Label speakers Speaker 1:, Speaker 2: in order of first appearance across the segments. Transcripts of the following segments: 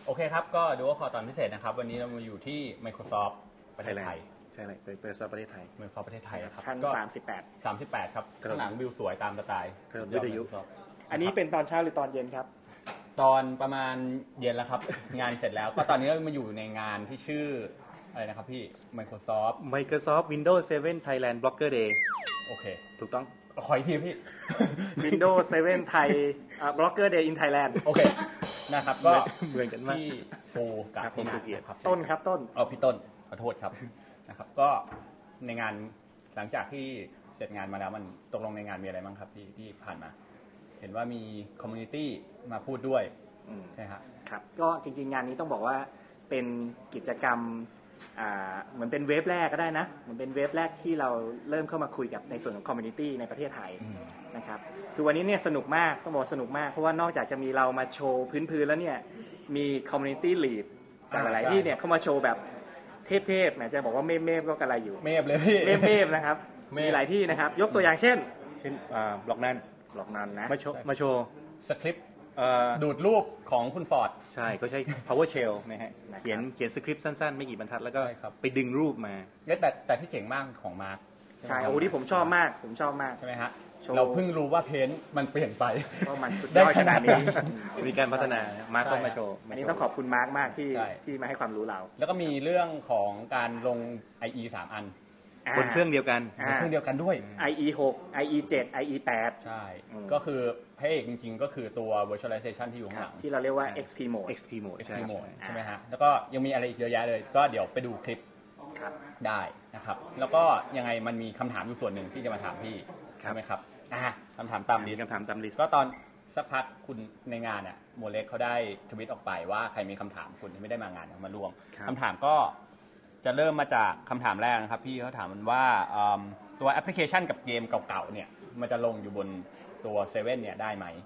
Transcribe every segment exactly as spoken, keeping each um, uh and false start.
Speaker 1: โอเคครับก็ดูว่าขอตอนพิเศษนะครับวันนี้เรามาอยู่ที่ Microsoft ประเทศไทย
Speaker 2: ใช่เลยเป็น Microsoft ประเทศไทย
Speaker 1: Microsoft ประเทศไทยครับ
Speaker 3: ชั้นสามสิบแปด
Speaker 1: สามสิบแปดครับข้างหลังวิวสวยตามสไตล์
Speaker 2: วิทยุ
Speaker 3: อันนี้เป็นตอนเช้าหรือตอนเย็นครับ
Speaker 1: ตอนประมาณเย็นแล้วครับงานเสร็จแล้วก็ตอนนี้เรามาอยู่ในงานที่ชื่ออะไรนะครับพี่ Microsoft
Speaker 2: Microsoft Windows เซเว่น Thailand Blogger Day
Speaker 1: โอเค
Speaker 2: ถูกต้อง
Speaker 1: ขออีกทีพี่
Speaker 3: Windows เซเว่น Thai Blogger Day in Thailand
Speaker 1: โอเคนะครับก็
Speaker 2: เหมือนกันมาก
Speaker 1: พี่โฟกับพี่นัทครับ
Speaker 3: ต้นครับต้น
Speaker 1: เอาพี่ต้นขอโทษครับนะครับก็ในงานหลังจากที่เสร็จงานมาแล้วมันตกลงในงานมีอะไรบ้างครับที่ที่ผ่านมาเห็นว่ามีคอมมูนิตี้มาพูดด้วยใช่ครับ
Speaker 3: ครับก็จริงๆงานนี้ต้องบอกว่าเป็นกิจกรรมเหมือนเป็นเวฟแรกก็ได้นะเหมือนเป็นเวฟแรกที่เราเริ่มเข้ามาคุยกับในส่วนของคอมมูนิตี้ในประเทศไทยนะครับคือวันนี้เนี่ยสนุกมากต้องบอกสนุกมากเพราะว่านอกจากจะมีเรามาโชว์พื้นๆแล้วเนี่ยมีคอมมูนิตี้ลีดจากหลายๆที่เนี่ยเข้ามาโชว์แบบเทพๆแหมจะบอกว่าเมฟๆก็กระไรอยู่
Speaker 1: เมฟเลยพี่
Speaker 3: เมฟๆนะครับมีหลายที่นะครับยกตัวอย่างเช่น
Speaker 2: เช่นบล็อกนั้น
Speaker 3: บล็อกนั้นนะ
Speaker 2: มาโชว์มาโชว์
Speaker 1: สคริปต์ดูดรูปของคุณฟอร์ด
Speaker 2: ใช่ก็ใช้ PowerShell นะฮะเขียนเขียนสคริปต์สั้นๆไม่กี่บรรทัดแล้วก็ไปดึงรูปมา
Speaker 1: แต่แต่ที่เจ๋งมากของมาร์ค
Speaker 3: ใช่โอ้ที่ผมชอบมากผมชอบมาก
Speaker 1: ใช่ไหมฮะเราเพิ่งรู้ว่าเพนท์มันเปลี่ยนไป
Speaker 3: ว่ามันสุดยอดขนาดนี้
Speaker 2: มีการพัฒนามาร์คต้องมาโชว์
Speaker 3: อันนี้ต้องขอบคุณมาร์คมากที่ที่มาให้ความรู้เรา
Speaker 1: แล้วก็มีเรื่องของการลง ไอ อี สามอัน
Speaker 2: บนเครื่องเดียวกัน
Speaker 1: บนเครื่องเดียวกันด้วย
Speaker 3: ไอ อี หก ไอ อี เจ็ด ไอ อี แปด
Speaker 1: ใช่ก็คือพระเอกจริงๆก็คือตัว virtualization ที่อยู่ข้างหลัง
Speaker 3: ที่เราเรียกว่า เอ็กซ์ พี mode
Speaker 2: เอ็กซ์ พี mode
Speaker 1: ใช่ใช่ไหมฮะแล้วก็ยังมีอะไรอีกเยอะแยะเลยก็เดี๋ยวไปดูคลิปได้นะครับแล้วก็ยังไงมันมีคำถามอยู่ส่วนหนึ่งที่จะมาถามพี่ใช่ไหมครับคำถามตามลิสต์
Speaker 2: คำถามตามลิสต์
Speaker 1: ก็ตอนสักพักคุณในงานเนี่ยโมเล็กเขาได้ทวิตออกไปว่าใครมีคำถามคุณที่ไม่ได้มางานมาร่วมคำถามก็จะเริ่มมาจากคำถามแรกนะครับพี่เขาถามมันว่าตัวแอปพลิเคชันกับเกมเก่าๆเนี่ยมันจะลงอยู่บนตัวเซเว่นเนี่ยได้ไหม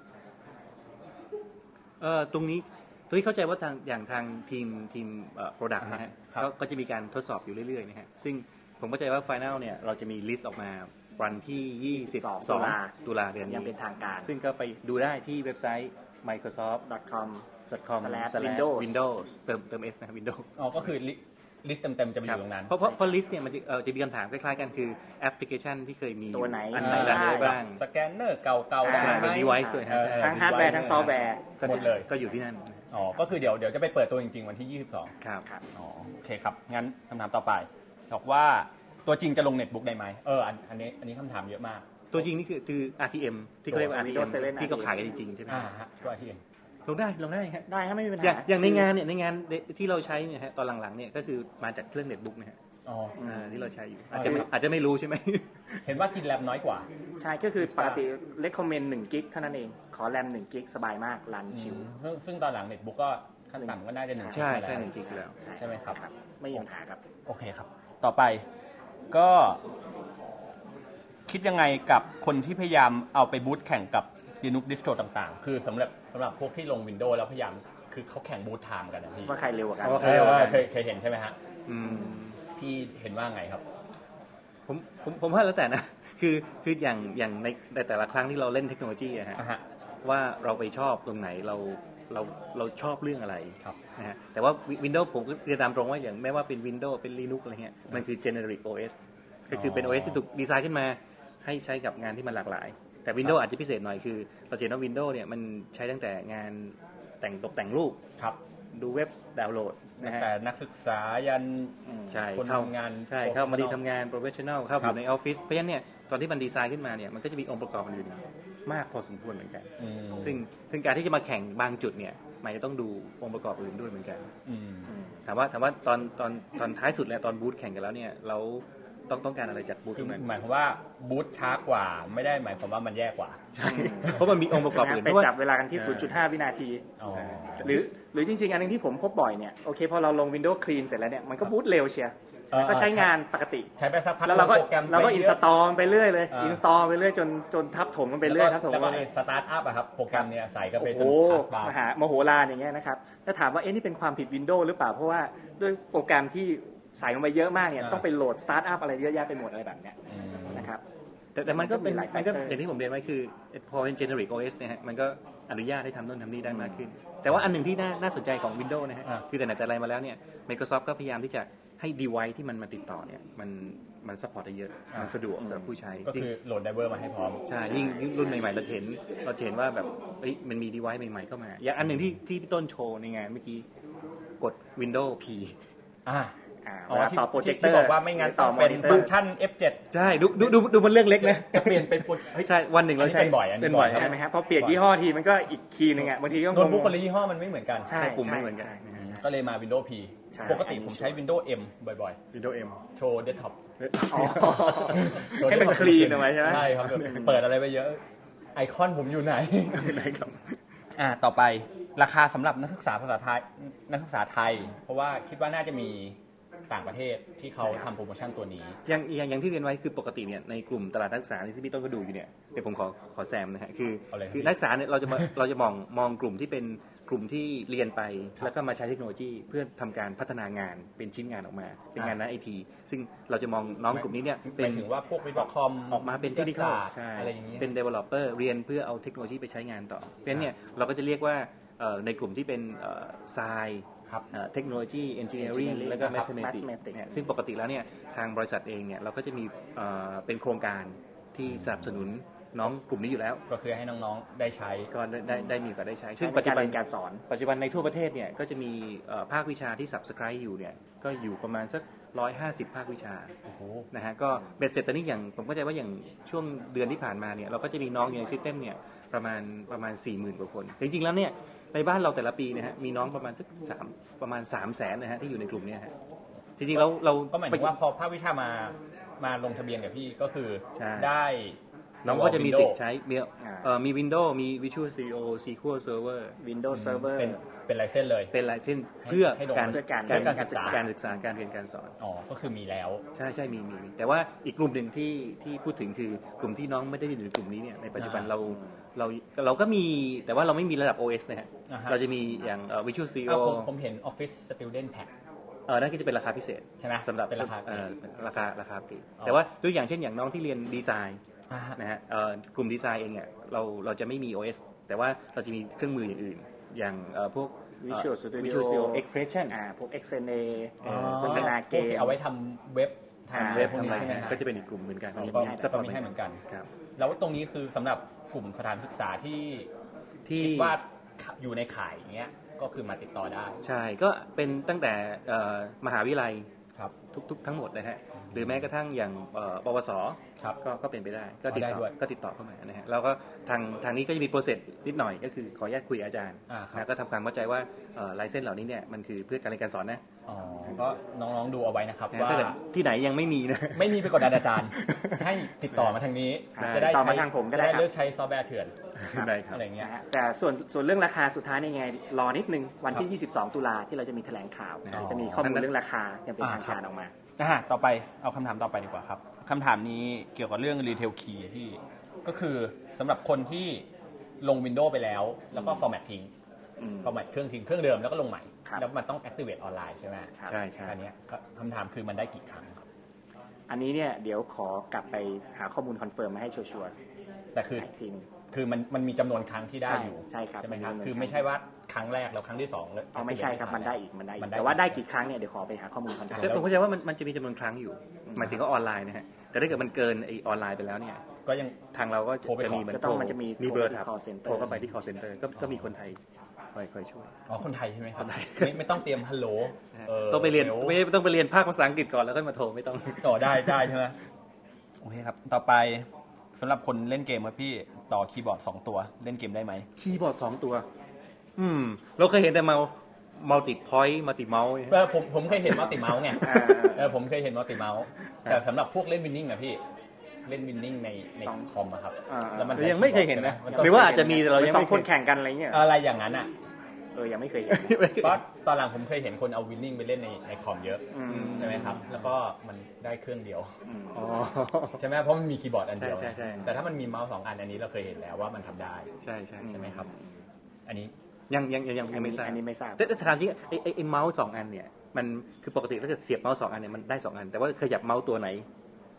Speaker 2: เออตรงนี้ตรงนี้เข้าใจว่าทางอย่างทางทีมทีมเอ่อ product นะฮะก็จะมีการทดสอบอยู่เรื่อยๆนะฮะซึ่งผมเข้าใจว่า final เนี่ยเราจะมีลิสต์ออกมาวันที่ยี่สิบสองตุลาเดือนนี้
Speaker 3: ยังเป็นทางการ
Speaker 2: ซึ่งก็ไปดูได้ที่เว็บไซต์ microsoft
Speaker 3: ดอท คอม
Speaker 2: ดอท คอม
Speaker 3: สแลช windows
Speaker 2: windows เติมเติม s นะ windows
Speaker 1: อ๋อก็คือลิสต์เต็มๆจะมีอยู่ตรงนั้น
Speaker 2: เพราะเพราะลิสต์เนี่ยมันจะจะมีคำถามคล้ายๆกันคือแอปพลิเคชันที่เคยมี
Speaker 3: ตัวไหน
Speaker 2: อันไหนได้บ้าง
Speaker 1: สแกนเนอร์เก่าๆ
Speaker 2: ใช่เป็น device ด้วย
Speaker 3: ทั้งฮาร์ดแวร์ทั้งซอฟต์แวร์
Speaker 1: หมดเลย
Speaker 2: ก็อยู่ที่นั่น
Speaker 1: อ๋อก็คือเดี๋ยวเดี๋ยวจะไปเปิดตัวจริงๆวันที่ยี่สิบสอง
Speaker 2: ครับ
Speaker 1: อ๋อโอเคครับงั้นคำถามต่อไปบอกว่าตัวจริงจะลงเน็ตบุ๊กได้ไหมเอออันนี้อันนี้คำถามเยอะมาก
Speaker 2: ตัวจริงนี่คือคือ อาร์ ที เอ็ม ที่เขาเรียกว่า อาร์ ที เอ็ม ที่เขาขายกันจริงๆใช่ไหม
Speaker 1: อ่าฮะตัว อาร์ ที เอ็ม
Speaker 2: ลงได้ลงได้ครับ
Speaker 3: ได้ครับไม่มีปัญหา
Speaker 2: อย่างในงานเนี่ยในงานที่เราใช้เนี่ยฮะตอนหลังๆเนี่ยก็คือมาจากเครื่องเน็ตบุ๊กนะฮะ
Speaker 1: อ๋อ
Speaker 2: ที่เราใช้อยู่อาจจะอาจจะไม่รู้ใช่ไหม
Speaker 1: เห็นว่ากินแรมน้อยกว่า
Speaker 3: ใช่ก็คือปกติ recommend หนึ่งกิกเท่านั้นเองขอแรมหนึ่งกิกสบายมากรันชิล
Speaker 1: ซึ่งซึ่งตอนหลังเน็ตบุ๊กก็ขั้นต่ำก็น่าจะหนึ่ง
Speaker 2: ใช่ใช่หนึ่งกิกแล้ว
Speaker 1: ใช่ไหมครับ
Speaker 3: ไม่มีปัญหาครับ
Speaker 1: โอเคครับต่อไปก็คิดยังไงกับคนที่พยายามเอาไปบูตแข่งกับ Linux distro ต่างๆคือสำหรับสำหรับพวกที่ลง Windows แล้วพยายามคือเขาแข่งบูตไทม์กันนะพี่
Speaker 3: ว่าใครเร็วกว่ากัน
Speaker 1: เคยเคยเห็นใช่ไหมฮะพี่เห็นว่าไงครับ
Speaker 2: ผมผมผมว่าแล้วแต่นะคือคืออย่างอย่างในในแต่ละครั้งที่เราเล่นเทคโนโลยีอะฮะว่าเราไปชอบตรงไหนเราเราเราชอบเรื่องอะไรนะฮะแต่ว่า Windows ผมก็เรียนตามตรงว่าอย่างไม่ว่าเป็น Windows เป็น Linux อะไรเงี้ยมันคือ generic โอ เอส ก็คือเป็น โอ เอส ที่ถูกดีไซน์ขึ้นมาให้ใช้กับงานที่มันหลากหลายแต่ Windows อาจจะพิเศษหน่อยคือเราเห็นว่า Windows เนี่ยมันใช้ตั้งแต่งานแต่งตกแต่งรูปดูเว็บดาวน์โหลด
Speaker 1: นะฮะแต่นักศึกษายันคนทำงาน
Speaker 2: ใช่เข้ามาดีทำงาน professional เข้าอยู่ในออฟฟิศเพราะฉะนั้นเนี่ยตอนที่มันดีไซน์ขึ้นมาเนี่ยมันก็จะมีองค์ประกอบอื่นมากพอสมควรเหมือนกันซึ่งซึ่งการที่จะมาแข่งบางจุดเนี่ยมันจะต้องดูองค์ประกอบอื่นด้วยเหมือนกันถามว่าถามว่าตอนตอนตอนท้ายสุดแล้วตอนบูธแข่งกันแล้วเนี่ยเราต้องต้องการอะไรจากบูธ
Speaker 1: นั้นหมายความว่าบูธช้ากว่าไม่ได้หมายความว่ามันแย่กว่า
Speaker 2: ใช่เพราะมันมีองค์ประกอบอื่น
Speaker 3: ไปจับเวลากันที่ ศูนย์จุดห้า วินาทีหรือหรือจริงๆอันนึงที่ผมพบบ่อยเนี่ยโอเคพอเราลง Windows Clean เสร็จแล้วเนี่ยมันก็บูตเร็วเชียร์ก็ใช้งานปกติ
Speaker 1: ใช้ไปสักพัก
Speaker 3: แล้วเราก็เราก็อินสตอลไปเรื่อยเลยอินสตอลไปเรื่อยจนจนทับถมกันไปเรื่อยทับถม
Speaker 1: แล้วก็สตาร์ทอัพอะครับโปรแกรมเนี่ยใส่ก็ไปจนทัสบาร์
Speaker 3: มหามโหฬารอย่างเงี้ยนะครับถ้าถามว่าเอ๊ะนี่เป็นความผิด Windows หรือเปล่าเพราะว่าด้วยโปรแกรมที่ใส่ลงไปเยอะมากเนี่ยต้องไปโหลดสตาร์ทอัพอะไรเยอะแยะไปหมดอะไรแบบเนี้ยนะครับ
Speaker 2: แต่แต่มันก็เป็น
Speaker 3: หลาย
Speaker 2: มันก็
Speaker 3: factor
Speaker 2: อย่างที่ผมเรียนไว้คือพอเป็น generic โอ เอส เนี่ยฮะมันก็อนุญาตให้ทำโน่นทำนี่ได้มากขึ้นแต่ว่าอันหนึ่งที่น่าน่าสนใจของ Windows นะฮะคือแต่ไหนแต่ไรมาแล้วเนี่ย Microsoft ก็พยายามที่จะให้ device ที่มันมาติดต่อเนี่ยมันมัน support ได้เยอะมันสะดวกสำหรับผู้ใช้
Speaker 1: ก็คือโหลดไดรเวอร์มาให้พร้อม
Speaker 2: ใช่ยิ่งรุ่นใหม่ๆเราเห็นเราเห็นว่าแบบเอ้ยมันมี device ใหม่ๆเข้ามาอย่างอันหนึ่งที่ที่พี่ต้นโชว์ในงานเมื่อกี้กด Windows P
Speaker 1: อ่า
Speaker 3: อ๋อต่อโปรเจคเตอร์
Speaker 1: ที่บอกว่าไม่งั้นต้องเป็นฟังก์ชัน เอฟ เจ็ด
Speaker 2: ใช่ดูดูดูดูมันเรื่องเล็กนะ
Speaker 1: จะเปลี่ยนเป็น
Speaker 2: ใช่วันหนึ่งเราใช้
Speaker 1: เป็นบ่อย
Speaker 3: เป็นบ่อยใช่ไหมครับพอเปลี่ยนยี่ห้อทีมันก็อีกคีย์นึงอ่ะบางทีก็
Speaker 1: โน้ตบุ๊กคนละยี่ห้อมันไม่เหมือนกัน
Speaker 3: ใช่
Speaker 2: ปุ่มไม่เหมือนกัน
Speaker 1: ก็เลยมา Windows P ปกติผมใช้ Windows M บ่อย
Speaker 2: ๆ Windows M
Speaker 1: โชว์เดสก์ท็อป
Speaker 3: ให้มันคลีนออกมาใช่ไหม
Speaker 1: ใช่ครับเปิดอะไรไปเยอะไอคอนผมอยู่ไหนอ่าต่อไปราคาสำหรับนักศึกษาภาษาไทยนักศึกษาไทยเพราะว่าคิดว่าน่าจะมีต่างประเทศที่เขาทำโปรโมชั่นตัวนี้
Speaker 2: อย่างอย่างอย่างที่เรียนไว้คือปกติเนี่ยในกลุ่มตลาดนักศึกษาที่พี่ต้นก็ดูอยู่เนี่ยเดี๋ยวผมขอขอแซมนะฮะคือคือนักศึกษาเนี่ยเราจะมาเราจะมองมองกลุ่มที่เป็นกลุ่มที่เรียนไปแล้วก็มาใช้เทคโนโลยีเพื่อทำการพัฒนางานเป็นชิ้นงานออกมาเป็นงานด้านไอทีซึ่งเราจะมองน้องกลุ่มนี้เนี่ย
Speaker 1: เป็นถึงว่าพวกวิศวกร
Speaker 2: ออกมาเป็นเทคนิคใช่เป็น developer เรียนเพื่อเอาเทคโนโลยีไปใช้งานต่อเพราะฉะนั้นเนี่ยเราก็จะเรียกว่าในกลุ่มที่เป็นไซน์เทคโนโลยีเอนจิเนียริ่งแล้วก็แมทเทอเมติกซึ่งปกติแล้วเนี่ยทางบริษัทเองเนี่ยเราก็จะมีเป็นโครงการที่สนับสนุนน้องกลุ่มนี้อยู่แล้ว
Speaker 1: ก็คือให้น้องๆได้ใช้
Speaker 2: ก็ได้ได้มีก็ได้ใช้
Speaker 3: ซึ่งปัจจุบันการสอน
Speaker 2: ปัจจุบันในทั่วประเทศเนี่ยก็จะมีภาควิชาที่ subscribe อยู่เนี่ยก็อยู่ประมาณสักหนึ่งร้อยห้าสิบภาควิชานะฮะก็เบ็ดเสร็จตอนนี้อย่างผมเข้าใจว่าอย่างช่วงเดือนที่ผ่านมาเนี่ยเราก็จะมีน้องอยู่ในซิสเต็มเนี่ยประมาณประมาณ สี่หมื่น กว่าคนจริงๆแล้วเนี่ยในบ้านเราแต่ละปีนะฮะมีน้องประมาณสักสามประมาณ สามแสน นะฮะที่อยู่ในกลุ่มนี้ฮะจริงๆเราเรา
Speaker 1: ก็หมายถึงว่าพอภาควิชามามาลงทะเบียนกับพี่ก็คือได้
Speaker 2: น้องก็จะมีสิทธิ์ใช้มีเอ่อมี Windows มี Visual Studio เอ คิว แอล Server
Speaker 3: Windows Server
Speaker 1: เป็นเป็นไลเซนส์เลย
Speaker 2: เป็นไลเซนส์เพื่อการ
Speaker 3: การ
Speaker 2: การศึกษาการศึกษาการเรียนการสอน
Speaker 1: อ๋อก็คือมีแล้ว
Speaker 2: ใช่ใช่มีมีแต่ว่าอีกกลุ่มหนึ่งที่ที่พูดถึงคือกลุ่มที่น้องไม่ได้อยู่ในกลุ่มนี้เนี่ยในปัจจุบันเราเราเราก็มีแต่ว่าเราไม่มีระดับ โอ เอส นะฮะเราจะมีอย่าง Visual Studio
Speaker 1: ผมเห็น Office Student Pack
Speaker 2: เออนั่นก็จะเป็นราคาพิเศษ
Speaker 1: ใช่ไหม
Speaker 2: สำหรับ
Speaker 1: ราคา
Speaker 2: ราคาราคาปลีกแต่ว่าตัวอย่างเช่นอย่างน้องที่เรียนดีไซน์นะฮะกลุ่มดีไซน์เองเนี่ยเราเราจะไม่มี โอ เอส แต่ว่าเราจะมีเครื่องมืออย่างอื่นอย่างพวก
Speaker 3: Visual Studio
Speaker 2: Visual Studio Expression
Speaker 3: อ่าพวก เอ็กซ์ เอ็น เอ พัฒนาเกม
Speaker 1: เอาไว้ทำเว็บ
Speaker 2: ทำเว็บทำอะไรก็จะเป็นอีกกลุ่มเหมือนกัน
Speaker 1: ก็มีให้เหมือนกันแล้วตรงนี้คือสำหรับกลุ่มสถานศึกษาที่ที่ว่าอยู่ในข่ายอย่างเงี้ยก็คือมาติดต่อได้
Speaker 2: ใช่ก็เป็นตั้งแต่มหาวิทยาลัยทุกๆทั้งหมดนะฮะหรือแม้กระทั่งอย่างปวสก็ก็เป็นไปได้ก็ติดต่อก็ติดต่อเข้ามานะฮะแล้วก็ทางทางนี้ก็จะมีโปรเซสนิดหน่อยก็คือขออนุญาตคุยอาจารย์นะก็ทำความเข้าใจว่าไลเซนส์เหล่านี้เนี่ยมันคือเพื่อการเรียนการสอนนะ
Speaker 1: อ๋อก็น้องๆดูเอาไว้นะครับว่า
Speaker 2: ที่ไหนยังไม่มีนะ
Speaker 1: ไม่มีไปกดดันอาจารย์ให้ติดต่อมาทางนี้
Speaker 3: จะได้ต่อมาทางผมก็ได้
Speaker 1: เลือกใช้ซอฟต์แวร์เถื่อน
Speaker 2: อะไร
Speaker 1: เงี้ย
Speaker 3: แต่ส่วนส่วนเรื่องราคาสุดท้ายนี่ไงรอนิดนึงวันที่ยี่สิบสองตุลาที่เราจะมีแถลงข่าวจะมีข้อมูลเรื่องราคาอย่างเป็นทางการออกมา
Speaker 1: อ่าต่อไปเอาคำถามต่อไปดีกว่าครับคำถามนี้เกี่ยวกับเรื่อง Retail Key ที่ก็คือสำหรับคนที่ลง Windows ไปแล้วแล้วก็ format ทิ้ง format เครื่องทิ้งเครื่องเดิมแล้วก็ลงใหม่แล้วมันต้อง activate ออนไลน์ใช่ไหม
Speaker 2: ใช่ใช่
Speaker 1: อันนี้คำถามคือมันได้กี่ครั้งครับ
Speaker 3: อันนี้เนี่ยเดี๋ยวขอกลับไปหาข้อมูลคอนเฟิร์มมาให้ชัวร์
Speaker 1: ๆแต่คือคือมันมันมีจำนวนครั้งที่ได้อยู่
Speaker 3: ใช่ครับ
Speaker 1: ใช่ไหมครับคือไม่ใช่ว่าครั้งแรกแล้วครั้งที่สองแล้ว
Speaker 3: อ๋อไม่ใช่ครับมันได้อีกมันได้อีกแต่ว่าได้กี่ครั้งเนี่ยเดี๋ยวขอไปหาข้อมูลคอนเฟิร์ม
Speaker 2: แต่ผมเข้าใจว่ามันมันจะมีจำนวนครั้งอยู่หมายถึงว่าออนไลน์นะฮะแต่ถ้าเกิดมันเกินไอออนไลน์ไปแล้วเนี่ย
Speaker 1: ก็ยัง
Speaker 2: ทางเราก็จะมี
Speaker 3: มันโทรมันจะมี
Speaker 2: มีเบอร์โทรเข้าไปที่ call center ก็ก็มีคนไทยคอยคอยช่วย
Speaker 1: อ๋อคนไทยใช่ไหมครับไม่ไม่ต้องเตรียมฮัลโหล
Speaker 2: ต้องไปเรียนไม่ต้องไปเรียนภาคภาษาอังกฤษก่อนแล้วก็มาโทรไม่ต้อง
Speaker 1: ต่อได้ได้ใช่ไหมโอเคครับต่อไปสำหรับคนเล่นเกมครับพี่ต่อคีย์บอร์ดสองตัวเล่นเกมได้ไหม
Speaker 2: คีย์บอร์ดสองตัวอืมเราเคยเห็นแต่เมามัลติพอยต์มัลติเมาส์
Speaker 1: เออผมผมเคยเห็นมัลติเมาส์ไงเออผมเคยเห็นมัลติเมาส์แต่สำหรับพวกเล่นวินนิ่งอะพี่เล่นวินนิ่งในในคอมอะครับ
Speaker 2: แล้วมันยังไม่เคยเห็นนะหรือว่าอาจจะมีแต่เรายัง
Speaker 3: ไม่คนแข่งกันอะไรเงี้ย
Speaker 1: อะไรอย่างนั้นอะ
Speaker 3: เออยังไม่เคยเห็น
Speaker 1: เพราะตอนหลังผมเคยเห็นคนเอาวินนิ่งไปเล่นในในคอมเยอะใช่ไหมครับแล้วก็มันได้เครื่องเดียวใช่ไหมเพราะมันมีคีย์บอร์ดอันเดียวแต่ถ้ามันมีเมาส์สองอันอันนี้เราเคยเห็นแล้วว่ามันทำได้
Speaker 2: ใช่ใช่
Speaker 1: ใช่ไหมครับอันนี้
Speaker 2: ยังยังยังยังไม่ทราบ
Speaker 3: อันนี้ไม่ทราบ
Speaker 2: แต่ถามจริงไอ้ไอ้เมาส์สองอันเนี่ยมันคือปกติถ้าเกิดเสียบเมาส์สองอันเนี่ยมันได้สองอันแต่ว่าขยับเมาส์ตัวไหน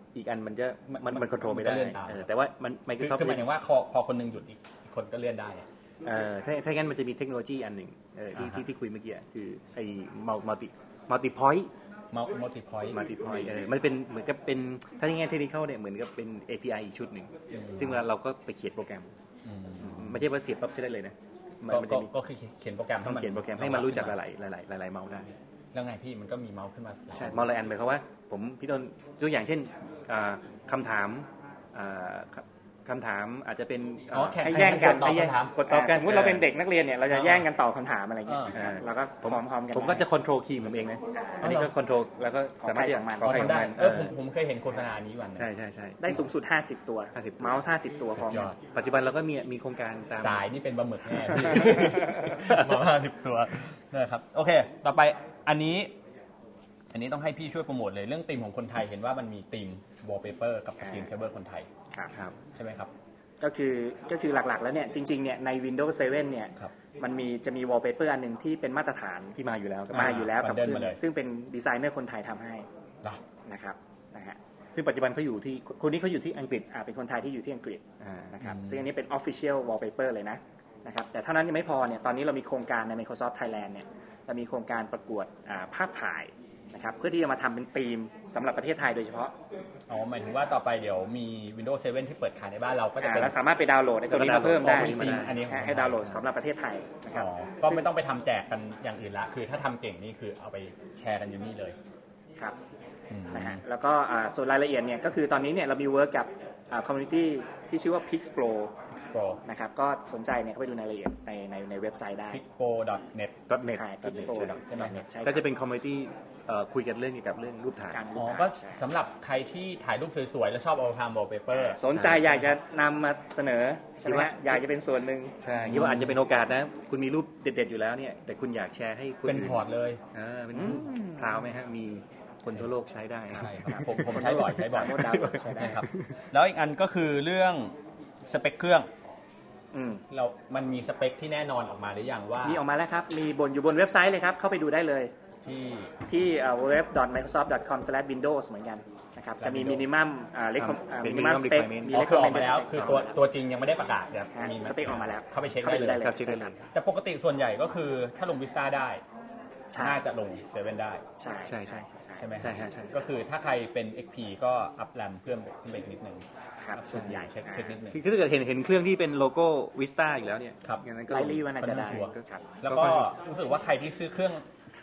Speaker 2: อีกอันมันจะมันมันคอนโทรลไม่ได้แต่ว่ามัน Microsoft
Speaker 1: คือหมายถึงว่าพอคนนึงหยุดอีกคนก็เลื่อนได้
Speaker 2: เออถ้าถ้างั้นมันจะมีเทคโนโลยีอันหนึ่งเออที่ที่ที่คุยเมื่อกี้คือไอ้มัลติมัลติพอยต์
Speaker 1: มัลติพอยต์
Speaker 2: มัลติพอยต์เออมันเป็นเหมือนกับเป็นถ้าในแง่เทคนิคเนี่ยเหมือนกับเป็น เอ พี ไอ อีกชุดหนึ่งซึ่งเวลาเราก็ไปเขียนโปรแกรมไม่ใช่ว่าเสียบปั๊บใช้ได้เลยนะ
Speaker 1: ก็คือเขียนโปรแกรม
Speaker 2: ต้องเขียนโปรแกรมให้มันรู้จักหลายหลายหลายหลายเมาส์ได้
Speaker 1: แล้วไงพี่มันก็มีเมาส์ขึ้นมา
Speaker 2: ใช่เมาส์หลายอันหมายความว่าผมพี่ต้นตัวอย่างเช่นคำถามคำถามอาจจะเป็น
Speaker 3: ให้แย่งกัน
Speaker 1: ให้แย่ง
Speaker 3: กดตอบกันสมมติเราเป็นเด็กนักเรียนเนี่ยเราจะแย่งกันตอบคำถามอะไรอย่างเงี้ยเราก็พร้อมๆกัน
Speaker 2: ผมก็จะคอนโทรลคีย์ผมเองนะอันนี้ก็คอนโทรลแล้วก็สามารถที่จะ
Speaker 1: ขอให้ได้เออผมผมเคยเห็นโฆษณานี้วัน
Speaker 2: ใช่ใช่ใช่
Speaker 3: ได้สูงสุดห้าสิบตัวเมาส์ห้าสิบตัวพร้อม
Speaker 2: ปัจจุบันเราก็มีมีโครงการตาม
Speaker 1: สายนี่เป็นบะหมึกแน่เมาส์ห้าสิบตัวนะครับโอเคต่อไปอันนี้อันนี้ต้องให้พี่ช่วยโปรโมทเลยเรื่องธีมของคนไทยเห็นว่ามันมีธีม wallpaper กับสกรีนเซฟเวอร์คนไทย
Speaker 3: ครับ
Speaker 1: ใช่ไหมครับ
Speaker 3: ก็คือก็คือหลักๆแล้วเนี่ยจริงๆเนี่ยใน Windows เซเว่นเนี่ยมันมีจะมี wallpaper อันนึงที่เป็นมาตรฐาน
Speaker 2: ที่มาอยู่แล้ว
Speaker 3: มาอยู่แล้วกับเครื่องซึ่งเป็นดีไซเนอร์คนไทยทำให้นะครับนะฮะ
Speaker 2: ซึ่งปัจจุบันเขาอยู่ที่คนนี้เขาอยู่ที่อังกฤษ
Speaker 3: อ่าเป็นคนไทยที่อยู่ที่อังกฤษนะครับซึ่งอันนี้เป็น official wallpaper เลยนะนะครับแต่เท่านั้นยังไม่พอเนี่ยตอนนี้เรามีโครงการใน Microsoft Thailand เนี่ยเรามีโครงการประกวดภาพถ่ายนะครับเพื่อที่จะมาทำเป็นธีมสำหรับประเทศไทยโดยเฉพาะ
Speaker 1: อ๋อหมายถึงว่าต่อไปเดี๋ยวมี Windows เซเว่นที่เปิดขายในบ้านเราก็จะเป็น
Speaker 3: แล้วสามารถไปดาวน์โหลดไอ้ตัวนี้มาเพิ่มได้อันนี้ให้ดาวน์โหลดสำหรับประเทศไทยนะครับ
Speaker 1: ก็ไม่ต้องไปทำแจกกันอย่างอื่นละคือถ้าทำเก่งนี่คือเอาไปแชร์กันอยู่นี่เลย
Speaker 3: ครับนะฮะแล้วก็ส่วนรายละเอียดเนี่ยก็คือตอนนี้เนี่ยเรามีเวิร์กกับคอมมูนิตี้ที่ชื่อว่า Pixproนะครับก็สนใจเนี่ยเข้าไปดูรายละเอียดในในในเว็บไซต์ได้
Speaker 1: pixpro ดอท เน็ต
Speaker 3: ใช่ pixpro ใช่ไหม
Speaker 2: ก็จะเป็นคอมมูนิตี้คุยกันเรื่องเกี่ยวกับเรื่องรูปถ่าย
Speaker 1: อ๋อก็สำหรับใครที่ถ่ายรูปสวยๆแล้วชอบเอาทำ wallpaper
Speaker 3: สนใจอยากจะนำมาเสนอใช่ไหมอยากจะเป็นส่วนหนึ่ง
Speaker 2: ใช่คิดว่าอาจจะเป็นโอกาสนะคุณมีรูปเด็ดๆอยู่แล้วเนี่ยแต่คุณอยากแชร์ให้คุณ
Speaker 1: เป็นพอร์ตเลย
Speaker 2: อ่าเป็นพราวไหมฮะมีคนทั่วโลกใช้ได้
Speaker 1: ใช่ครับผมผมใช้บ่อยใช้บ่อยใช่ครับแล้วอีกอันก็คือเรื่องสเปคเครื่องเรามันมีสเปคที่แน่นอนออกมาหรือยังว่า
Speaker 3: มีออกมาแล้วครับมีบนอยู่บนเว็บไซต์เลยครับเข้าไปดูได้เลย
Speaker 1: ที่
Speaker 3: ที่ ดับเบิลยู ดับเบิลยู ดับเบิลยู ดอท ไมโครซอฟท์ ดอท คอม สแลช วินโดว์ส เหมือนกันนะครับจะมีมินิมัมอ่าเล็กมินิมัมสเปค
Speaker 1: มีเล็กออกมาแล้วคือตัวตัวจริงยังไม่ได้ประกาศเดี๋ยว
Speaker 3: มีสเปคออกมาแล้ว
Speaker 1: เข้าไปเช็คได้เลย
Speaker 3: ครับเช็คได้เลย
Speaker 1: แต่ปกติส่วนใหญ่ก็คือถ้าลง Vista ได้น่าจะลงเซเว่นได้
Speaker 3: ใช่ใช่ใช่
Speaker 1: ใช่ไหม
Speaker 2: ใช่ใช่
Speaker 1: ก็คือถ้าใครเป็น เอ็กซ์ พี ก็อัพแรมเพิ่มขึ้นไปนิดนึง
Speaker 3: ครับส่วนใหญ่
Speaker 1: เช็คเช็คนิดนึง
Speaker 2: คือถ้าเกิดเห็นเห็นเครื่องที่เป็นโลโก้ Vista อยู่แล้วเนี่ย
Speaker 1: ครับ
Speaker 3: อย่างนั้นก็ไลลี่ว่าน่าจะได้
Speaker 1: แล้วก็รู้สึกว่าใครที่ซื้อเครื่อง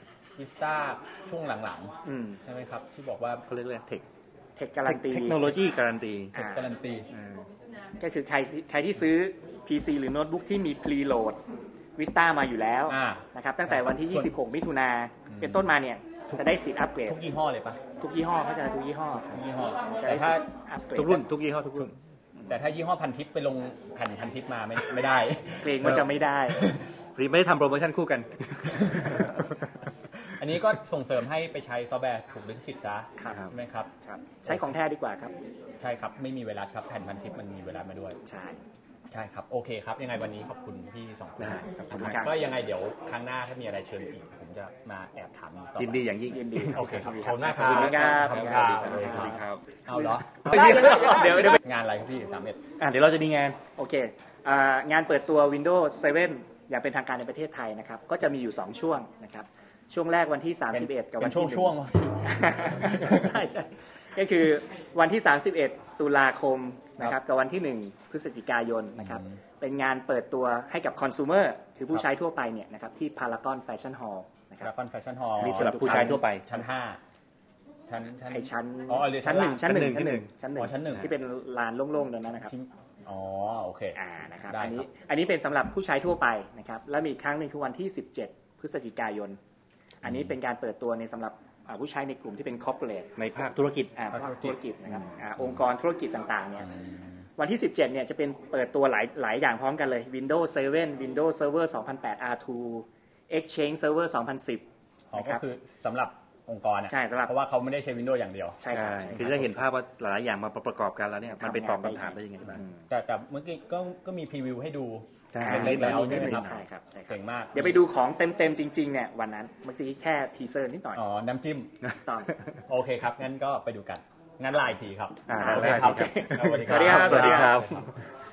Speaker 1: Vista ช่วงหลังๆใช่ไหมครับที่บอกว่า
Speaker 2: เขาเรียกอะไรเทค
Speaker 3: เทคการันตี
Speaker 2: เทคโนโลยีการันตี
Speaker 1: เทคการันตี
Speaker 3: ก็คือใครใครที่ซื้อ พี ซี หรือโน้ตบุ๊กที่มีพรีโหลดVista มาอยู่แล้วนะครับตั้งแต่วันที่ยี่สิบหกมิถุนาเป็นต้นมาเนี่ยจะได้สิทธิ์อัปเกรด
Speaker 1: ทุกยี่ห้อเลยปะ
Speaker 3: ทุกยี่ห้อเขาจะทุกยี่ห้อ
Speaker 1: ทุกยี่ห้อ
Speaker 3: แต่ถ้าอัปเกรด
Speaker 2: ทุกรุ่นทุกยี่ห้อทุกรุ่น
Speaker 1: แต่ถ้ายี่ห้อพันทิปไปลงแผ่นพันทิปมาไม่ไม่ได้
Speaker 3: เกรงว่าจะไม่ได้
Speaker 2: พรีไม่ได้ทำโปรโมชั่นคู่กัน
Speaker 1: อันนี้ก็ส่งเสริมให้ไปใช้ซอฟต์แวร์ถูกลิขสิทธิ์ซะใช่ไหมครับ
Speaker 3: ใช้ของแท้ดีกว่าครับ
Speaker 1: ใช่ครับไม่มีเวลาครับแผ่นพันทิปมันมีเวลามาด้วย
Speaker 3: ใช่
Speaker 1: ใช่ครับโอเคครับยังไงวันนี้ขอบคุณพี่สองคนก็ยังไงเดี๋ยวครั้งหน้าถ้ามีอะไรเชิญอีกผมจะมาแอบถามต่อ
Speaker 2: ยินดีอย่างยิ่ง
Speaker 3: ยินดี
Speaker 1: โอเคครับขอบคุณมากค
Speaker 3: รับขอบคุณครับ
Speaker 1: สวัสดีครับเอาเหรอ
Speaker 3: เดี๋ยวเดี๋ยว
Speaker 1: งานอะไรครับพี่สามเอ็ด
Speaker 2: อ่ะเดี๋ยวเราจะมีงาน
Speaker 3: โอเคงานเปิดตัว Windows เซเว่นอย่างเป็นทางการในประเทศไทยนะครับก็จะมีอยู่สองช่วงนะครับช่วงแรกวันที่สามสิบเอ็ดกับวันที่
Speaker 1: ช่วง
Speaker 3: ใช่ใช่ก็คือวันที่สามสิบเอ็ดตุลาคมนะครับกับวันที่หนึ่งพฤศจิกายนนะครับเป็นงานเปิดตัวให้กับคอน sumer คือผู้ใช้ทั่วไปเนี่ยนะครับที่ Paragon Fashion Hall นะครับ
Speaker 1: Paragon Fashion Hall
Speaker 2: นี่สำหรับผู้ใช้ทั่วไป
Speaker 1: ชั้นห้าชั้นชั้น
Speaker 3: ไอชั้น
Speaker 1: อ๋อ
Speaker 3: ชั้นหนึ่งชั้นหนึ่งชั้นหนึ่ง
Speaker 1: ชั้นหนึ่งชั้นหนึ่ง
Speaker 3: ที่เป็นลานโล่งๆตรงนั้นนะครับ
Speaker 1: อ๋อโอเค
Speaker 3: อ่านะครับอันนี้อันนี้เป็นสำหรับผู้ใช้ทั่วไปนะครับแล้วมีอีกครั้งนึงคือวันที่สิบเจ็ดพฤศจิกายนอันนี้เป็นการเปิดตัวในสำหรับผู้ใช้ในกลุ่มที่เป็น corporate
Speaker 2: ในภาคธุรกิจ
Speaker 3: ภาคธุรกิจนะครับองค์กรธุรกิจต่างๆเนี่ยวันที่สิบเจ็ดเนี่ยจะเป็นเปิดตัวหลายหลายอย่างพร้อมกันเลย Windows เซเว่น Windows Server สองพันแปด อาร์ ทู Exchange Server สองพันสิบ
Speaker 1: อ๋อก็คือสำหรับองค์กรเนี่ย
Speaker 3: ใช่สำหรับ
Speaker 1: เพราะว่าเขาไม่ได้ใช้ Windows อย่างเดียว
Speaker 3: ใช่ครับ
Speaker 2: คือจะเห็นภาพว่าหลายอย่างมาประกอบกันแล้วเนี่ยมันไปตอบคำถามได้ยังไงบ้าง
Speaker 1: แต่แต่เมื่อกี้ก็ก็มีพรีวิวให้ดูเล็กๆแล้วใช่ไหมครับ
Speaker 3: ใช่ครับ
Speaker 1: เก่งมาก
Speaker 3: เดี๋ยวไปดูของเต็มๆจริงๆเนี่ยวันนั้นเมื่อกี้แค่ทีเซอร์นิดหน่อย
Speaker 1: อ๋อน้ำจิ้ม
Speaker 3: ต่อ
Speaker 1: โอเคครับงั้นก็ไปดูกันงั้นไลน์ทีครับ
Speaker 2: อ่า
Speaker 1: โอเค
Speaker 2: ได้
Speaker 1: ครับ
Speaker 2: ครับ
Speaker 1: สวัสดีครับ
Speaker 3: สวัสดีครับ